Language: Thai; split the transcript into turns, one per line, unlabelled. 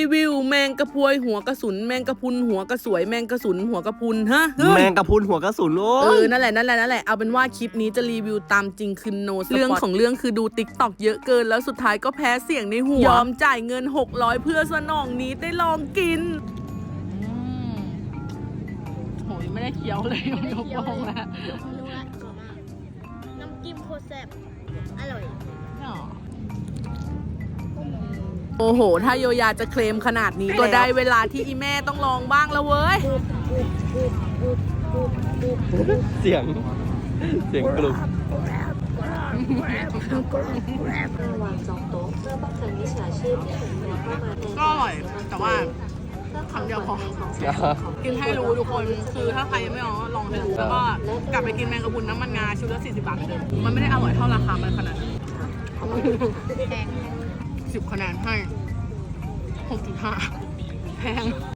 วิวแมงกระพวยหัวกระสุนแมงกระพุนหัวกระสวยแมงกระสุนหัวกระพุนฮะ
แมงกะพรุนหัวกระสุนโอ้ย
นั่นแหละเอาเป็นว่าคลิปนี้จะรีวิวตามจริงคือโนสปอตเรื่องของเรื่องคือดูติ๊กต็อกเยอะเกินแล้วสุดท้ายก็แพ้เสียงในหัวยอมจ่ายเงิน600เพื่อสนองนี้ได้ลองกินโหยไม่ได้เคี้ยวเลยยกลงแล้ว
น้ำจิ้มโคตรแซ่บอร่อย
โอ้โหถ้าโยยาจะเคลมขนาดนี้ก็ได้เวลาที่อีแม่ต้องลองบ้างแล้วเว้ย
เสียงกลุ่ม
ก็อร่อยแต่ว่าคำเดียวพอกินให้รู้ทุกคนคือถ้าใครยังไม่ลองให้รู้แล้วก็กลับไปกินแมงกะพรุนน้ำมันงาชุดละ40 บาทเหมือนเดิมมันไม่ได้อร่อยเท่าราคามันขนาดนั้น10 คะแนนให้6.5แพง